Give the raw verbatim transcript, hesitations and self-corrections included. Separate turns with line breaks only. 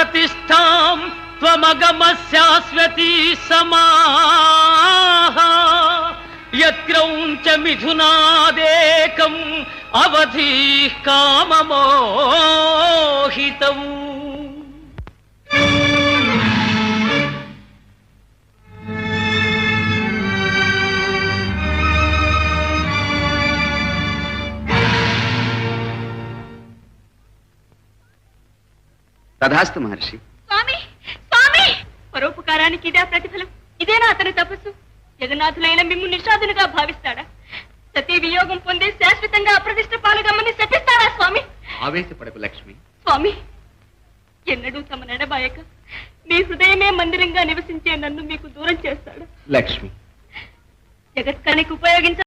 ప్రతిష్టాం త్వమగమ శాశ్వతీ సమాః యత్రౌంచ మిథునాదేకం అవధి కామమోహితం.
తథాస్తు మహర్షి.
స్వామి స్వామి పరోపకారానికి ఇదే ప్రతిఫలం. ఇదేనా అతని తపస్సు? జగన్నాథులైన మిమ్ము నిషాదులుగా భావిస్తాడా? సతీ వియోగం పొంది శాశ్వతంగా అప్రతిష్ట పాలుగమ్మని శపిస్తాడా స్వామి?
ఆవేశపడకు లక్ష్మి.
స్వామి, ఎన్నడూ తమ నడబాయక మీ హృదయమే మందిరంగా నివసించే నన్ను మీకు దూరం చేస్తాడు.
లక్ష్మి,
జగత్కానికి ఉపయోగించ